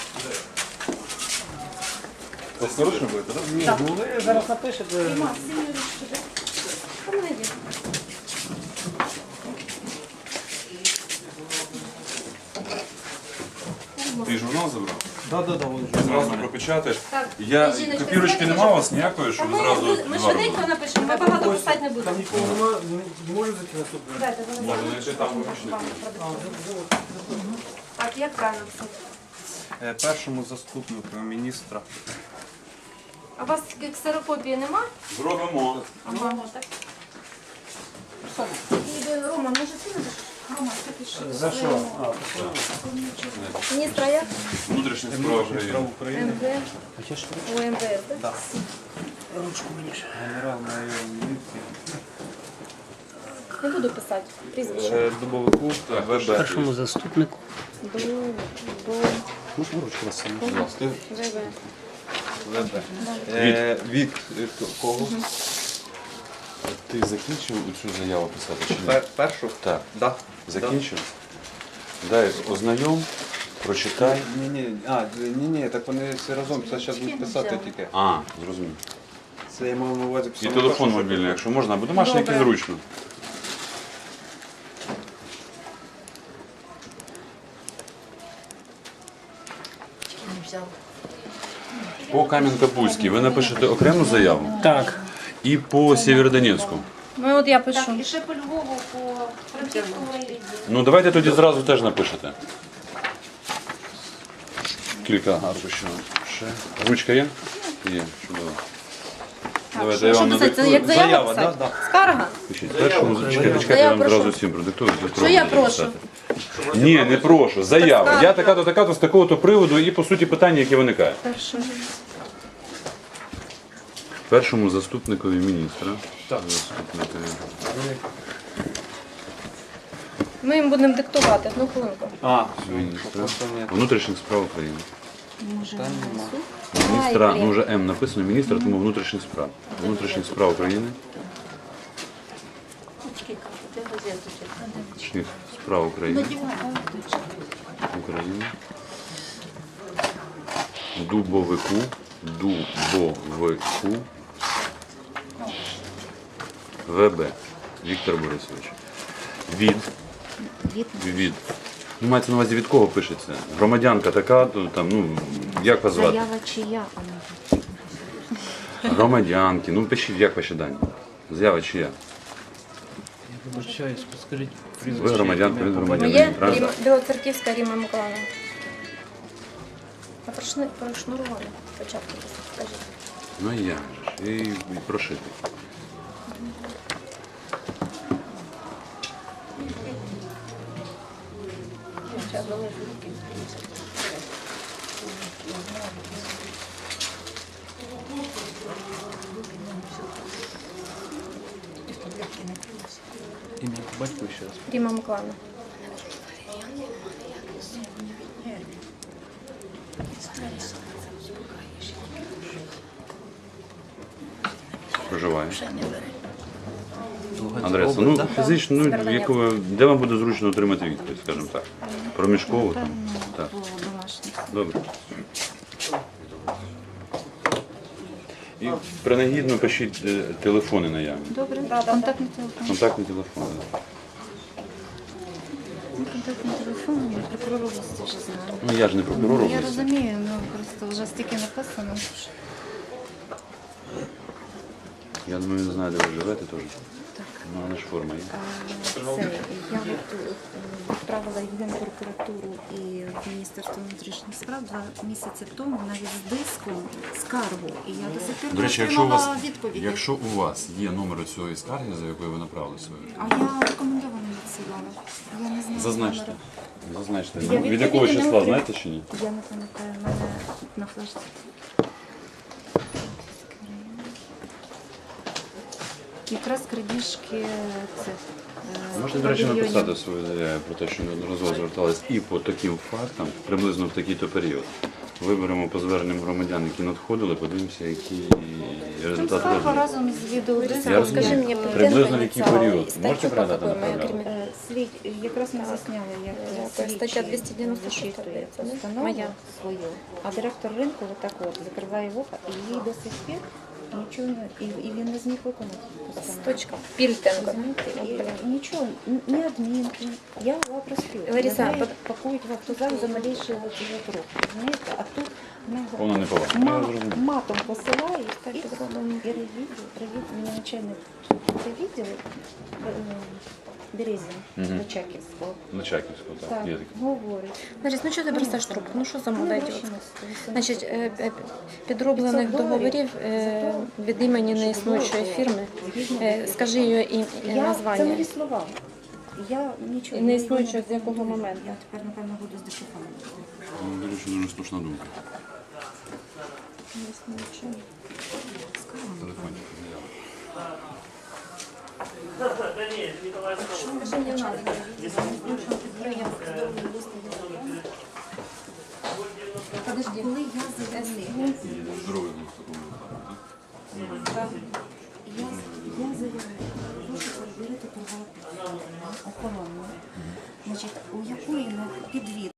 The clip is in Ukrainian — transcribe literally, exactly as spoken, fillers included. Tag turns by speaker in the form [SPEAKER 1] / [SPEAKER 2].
[SPEAKER 1] Власноручно будете, так?
[SPEAKER 2] Ні, ну ви зараз напишете.
[SPEAKER 3] Дима, синю ручку, да? Помоги.
[SPEAKER 1] Ти журнал забрав?
[SPEAKER 2] Да, да, да, вон.
[SPEAKER 1] Зразу пропечатаєш.
[SPEAKER 3] Так,
[SPEAKER 1] Я
[SPEAKER 3] жіночка,
[SPEAKER 1] копірочки
[SPEAKER 3] давайте
[SPEAKER 1] нема у
[SPEAKER 3] вже-
[SPEAKER 1] вас ніякої, щоб
[SPEAKER 3] Та
[SPEAKER 1] ви
[SPEAKER 3] ми,
[SPEAKER 1] зразу
[SPEAKER 3] ми
[SPEAKER 1] два
[SPEAKER 3] швиденько
[SPEAKER 1] робили?
[SPEAKER 3] напишемо, ми багато писати не
[SPEAKER 2] Там
[SPEAKER 3] будемо.
[SPEAKER 2] нікого немає, не можу зайти на суд.
[SPEAKER 3] Дайте, зараз
[SPEAKER 1] Можна,
[SPEAKER 3] я
[SPEAKER 1] якщо там
[SPEAKER 3] вам
[SPEAKER 1] вибачте.
[SPEAKER 3] продиктую. Так, як правильно писати?
[SPEAKER 2] Е, Першому заступнику міністра.
[SPEAKER 3] А у вас ксерокопії нема?
[SPEAKER 1] Зробимо.
[SPEAKER 3] Ага, так. І е, Рома, може ти напишеш? Рома, ти пиши.
[SPEAKER 2] За що? А,
[SPEAKER 3] Міністра як?
[SPEAKER 1] Внутрішні справи
[SPEAKER 2] справ
[SPEAKER 1] України.
[SPEAKER 2] України.
[SPEAKER 3] МВ. О, МВС, так?
[SPEAKER 2] Да. Ручку мені ще. Генерал майор міліції.
[SPEAKER 3] Не буду писати. Прізвище.
[SPEAKER 2] Е, Дубовику.
[SPEAKER 1] Так,
[SPEAKER 2] ВБ.
[SPEAKER 4] Першому заступнику.
[SPEAKER 3] До, до,
[SPEAKER 4] Можна ручку вас?
[SPEAKER 3] ВВ.
[SPEAKER 2] ВБ. Е, Від е, кого?
[SPEAKER 1] Ти закінчив цю заяву писати чи ні?
[SPEAKER 2] Пер- Першу?
[SPEAKER 1] Так.
[SPEAKER 2] Да.
[SPEAKER 1] Закінчив? Дай ознайом, прочитай.
[SPEAKER 2] Ні, ні, а, ні, ні, так вони всі разом це зараз будуть писати тільки.
[SPEAKER 1] А, зрозумів.
[SPEAKER 2] Це я мав на увазі
[SPEAKER 1] І
[SPEAKER 2] писати
[SPEAKER 1] телефон
[SPEAKER 2] першу,
[SPEAKER 1] мобільний, якщо можна, або домашній, який
[SPEAKER 3] Добре.
[SPEAKER 1] зручно. По Кам'янка-Бузькій ви напишете окрему заяву
[SPEAKER 4] Так.
[SPEAKER 1] і по Сєвєродонецьку.
[SPEAKER 3] Ну от я пишу.
[SPEAKER 5] Так, і ще по Львову, по Франківському районі.
[SPEAKER 1] Ну давайте тоді зразу теж напишете. Кілька аркушів. Ще. Ручка є? Є, чудово. Давайте я
[SPEAKER 3] Що
[SPEAKER 1] вам
[SPEAKER 3] писати? Це
[SPEAKER 1] надиктую.
[SPEAKER 3] як заява
[SPEAKER 2] Заява,
[SPEAKER 3] писати?
[SPEAKER 2] да,
[SPEAKER 3] Скарга?
[SPEAKER 1] Пишіть. Першому, чекайте, чекайте, я
[SPEAKER 3] Заяву
[SPEAKER 1] вам
[SPEAKER 3] прошу.
[SPEAKER 1] зразу всім продиктую.
[SPEAKER 3] Що я прошу?
[SPEAKER 1] Ні, не прошу. Заява.
[SPEAKER 3] Так,
[SPEAKER 1] Я така-то, така-то з такого-то приводу і по суті питання, які виникають.
[SPEAKER 3] Перше.
[SPEAKER 1] Першому заступникові міністра. Заступникові.
[SPEAKER 3] Ми їм будемо диктувати. Одну хвилинку.
[SPEAKER 2] А,
[SPEAKER 1] Міністра
[SPEAKER 2] просто ні.
[SPEAKER 1] внутрішніх справ України.
[SPEAKER 3] Може,
[SPEAKER 1] Міністра, ну вже М написано, міністра, тому внутрішніх справ. Внутрішніх справ України. Внутрішніх справ України. України. Дубовику. Дубовику. ВБ. Віктор Борисович. Від. Від. Ну, мається на увазі, від кого пишеться? Громадянка така, то там, ну, як вас звати?
[SPEAKER 5] Заява чия, а не
[SPEAKER 1] Громадянки. Ну, пишіть, як ваші дані. Заява чия?
[SPEAKER 4] Вибачаюсь, скажіть
[SPEAKER 1] Ви громадянка, він громадянин.
[SPEAKER 3] Моє
[SPEAKER 1] правильно?
[SPEAKER 3] Ріма- Білоцерківська Ріма Миколаївна. А прошни- прошнурували спочатку. Скажіть.
[SPEAKER 1] Ну і я ж. І, і прошити.
[SPEAKER 2] Ім'я по батьку ще раз.
[SPEAKER 3] Ріма Миколаївна.
[SPEAKER 1] Проживає. Адреса. Ну, фізично, ну, яку, ви- де вам буде зручно отримати відповідь, скажімо так. Проміжково там. Так. Добре. І принагідно пишіть е, телефони наявні.
[SPEAKER 5] добре. Контактний телефон.
[SPEAKER 1] Контактні телефони.
[SPEAKER 5] Контактний телефон, я прокурор області вже знаю.
[SPEAKER 1] Ну я ж не прокурор
[SPEAKER 5] Я
[SPEAKER 1] області.
[SPEAKER 5] розумію, ну просто вже стільки написано.
[SPEAKER 1] Я думаю, він знає, де ви живете теж. Ну, але ж форма є.
[SPEAKER 5] Це я от е, відправила і в Генпрокуратуру і в Міністерство внутрішніх справ два місяці тому навіть з диском скаргу. І я до сих пір
[SPEAKER 1] До
[SPEAKER 5] не
[SPEAKER 1] речі, якщо у вас,
[SPEAKER 5] отримала відповіді.
[SPEAKER 1] якщо у вас є номер цієї скарги, за якою ви направили свою,
[SPEAKER 5] А я рекомендовано відсилала. Я не знаю.
[SPEAKER 1] зазначте.
[SPEAKER 5] номера.
[SPEAKER 1] Зазначте.
[SPEAKER 5] Я
[SPEAKER 1] Ну, від
[SPEAKER 5] відповіді
[SPEAKER 1] якого
[SPEAKER 5] не
[SPEAKER 1] числа,
[SPEAKER 5] отримала.
[SPEAKER 1] знаєте чи ні?
[SPEAKER 5] Я не пам'ятаю, в мене на флешці. Якраз крадіжки це. е,
[SPEAKER 1] Можете, до речі,
[SPEAKER 5] павільйонів.
[SPEAKER 1] написати свою заяву про те, що неодноразово звертались і по таким фактам, приблизно в такий-то період. Виберемо по зверненням громадян, які надходили, подивимося, які результати
[SPEAKER 5] Скарга
[SPEAKER 1] розгляду.
[SPEAKER 5] разом з відеодиском.
[SPEAKER 1] Я розумію.
[SPEAKER 3] Скажи мені,
[SPEAKER 1] Приблизно в який
[SPEAKER 3] ініціали і
[SPEAKER 1] період?
[SPEAKER 3] статтю
[SPEAKER 1] Можете
[SPEAKER 3] по
[SPEAKER 1] пригадати,
[SPEAKER 3] какой ми
[SPEAKER 1] направляли?
[SPEAKER 3] кримі-
[SPEAKER 5] Е, Слід, якраз ми засняли, як
[SPEAKER 3] стаття
[SPEAKER 5] слідчий
[SPEAKER 3] двісті дев'яносто шість
[SPEAKER 5] зачитує
[SPEAKER 3] здається, да?
[SPEAKER 5] постанову
[SPEAKER 3] Моя.
[SPEAKER 5] свою, а директор ринку отак от закриває вуха, і їй до сих пір нічого не, і, і він не зміг виконати постанову.
[SPEAKER 3] Точка. Пільтенко.
[SPEAKER 5] Знаєте,
[SPEAKER 3] От,
[SPEAKER 5] і
[SPEAKER 3] блін.
[SPEAKER 5] нічого, н- ні адмінки, я була проспіла.
[SPEAKER 3] Лариса,
[SPEAKER 5] Мене
[SPEAKER 3] под-
[SPEAKER 5] пакують в автозак за малейший от його рух, розумієте? А тут вона
[SPEAKER 1] Повна неповага. Я
[SPEAKER 5] ма-
[SPEAKER 1] зрозумів.
[SPEAKER 5] матом посилає,
[SPEAKER 3] Так,
[SPEAKER 5] і
[SPEAKER 3] підробимо.
[SPEAKER 5] і ревідділ, ревідділ, мені начальник ревідділу Березін
[SPEAKER 1] Мгм.
[SPEAKER 5] Личаківського.
[SPEAKER 1] На Чаківську, так.
[SPEAKER 5] Так,
[SPEAKER 1] Є таке.
[SPEAKER 5] говорить.
[SPEAKER 3] Ларис, ну чого ти бросаєш трубку? Ну що за мода
[SPEAKER 5] Ну,
[SPEAKER 3] ідіотська?
[SPEAKER 5] гроші
[SPEAKER 3] Значить, е, е, підроблених
[SPEAKER 5] п'ятсот доларів.
[SPEAKER 3] договорів е, від імені неіснуючої фірми. Е, Скажи її і- і
[SPEAKER 5] Я, це
[SPEAKER 3] названня.
[SPEAKER 5] мої слова. Я нічого
[SPEAKER 3] І не існуючого з якого
[SPEAKER 5] буду.
[SPEAKER 3] моменту?
[SPEAKER 5] Я тепер, напевно, буду з дешифрами.
[SPEAKER 1] Ну, до речі, дуже слушна думка.
[SPEAKER 3] Неіснуючого.
[SPEAKER 1] Телефончик.
[SPEAKER 5] Подожди, коли я заявила,
[SPEAKER 1] Здоровий був в такому випадку, так?
[SPEAKER 5] я, я заявила, прошу перевірити приватну охорону, значить, у якої на підвід